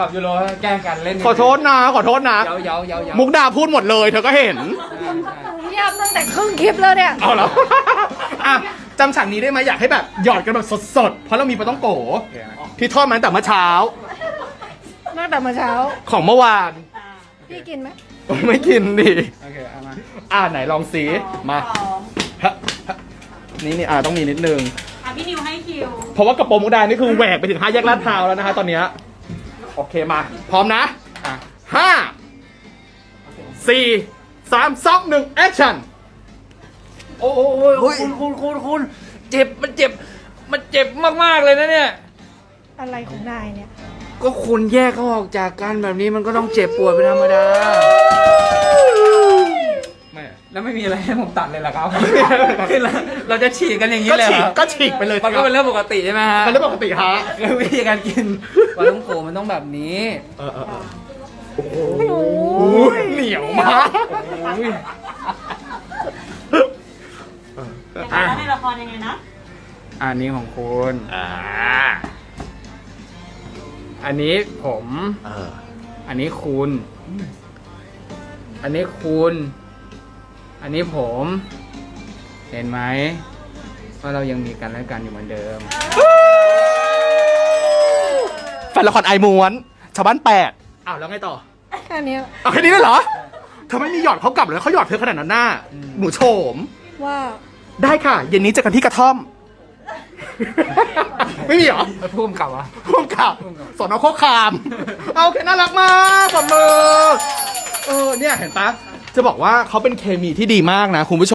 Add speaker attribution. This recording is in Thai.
Speaker 1: ยูโรแกล้งกันเล่น
Speaker 2: ขอโทษนะขอโทษนะ
Speaker 1: เย้า
Speaker 2: มุกดาพูดหมดเลยเธอก็เห็น
Speaker 3: เงียบตั้งแต่ครึ่งคลิปแล้วเนี่ย
Speaker 2: เอาแล้ว อ่ะจำฉากนี้ได้ไหมอยากให้แบบหยอดกันแบบสดๆ เพราะเรามีปลาต้องโกที่ทอดมาตั้งแต่เมื่อเช้า
Speaker 3: ตั้งแต่มาเช้า
Speaker 2: ของเมื่อวาน
Speaker 3: พี่กินไหม
Speaker 2: ไม่กินดิ
Speaker 1: โอเคเอามา
Speaker 2: ไหนลองสีมาฮะนี่ต้องมีนิดนึง
Speaker 4: พี่นิวให้คิว
Speaker 2: เพราะว่ากระโปรงมุกดานี่คือแหวกไปถึง5 แยกลาดพร้าวแล้วนะฮะตอนเนี้ยโอเคมา พร้อมนะ 5 4 3 2 1 แอคชั่น
Speaker 1: โอ้ยคุณเจ็บมันเจ็บมากๆเลยนะเนี่ย
Speaker 3: อะไรของนายเนี่ย
Speaker 1: ก็คุณแยกเขาออกจากกันแบบนี้มันก็ต้องเจ็บปวดเป็นธรรมดาแล้วไม่มีอะไรให้ผมตัดเลยเหรอครับเราจะฉีกกันอย่างนี้เลยเหรอ
Speaker 2: ก็ฉีกไปเลย
Speaker 1: มันก็เป็นเรื่องปกติใช่ไหมฮะ
Speaker 2: เป็นเรื่องปกติฮะ
Speaker 1: คือวิธีการกินปลาท่องโกมันต้องแบบนี้
Speaker 2: โอ้โหเหนียวมาก
Speaker 4: แล้วในละครยังไงนะ
Speaker 1: อันนี้ของคุณอันนี้ผม อันนี้คุณ อันนี้คุณ อันนี้ผม เห็นไหมว่าเรายังมีกันและกันอยู่เหมือนเดิม
Speaker 2: แฟนละครไอม้วนชาวบ้าน8แล้วไงต่อ
Speaker 3: แค่นี้
Speaker 2: แค่นี้เลยเหรอเธอไม่มีหยอดเขากลับเลยเขาหยอดเธอขนาดนั้นหน้าหนูโฉม
Speaker 3: ว่า
Speaker 2: ได้ค่ะ เย็นนี้เจอกันที่กระท่อม ไม่มีเหรอ
Speaker 1: พุ่มกลับวะ
Speaker 2: ร่วมกับสอนอโคคาม เอาโอเคน่ารักมากปรบมือเนี่ยเห็นปะจะบอกว่าเขาเป็นเคมีที่ดีมากนะคุณผู้ชม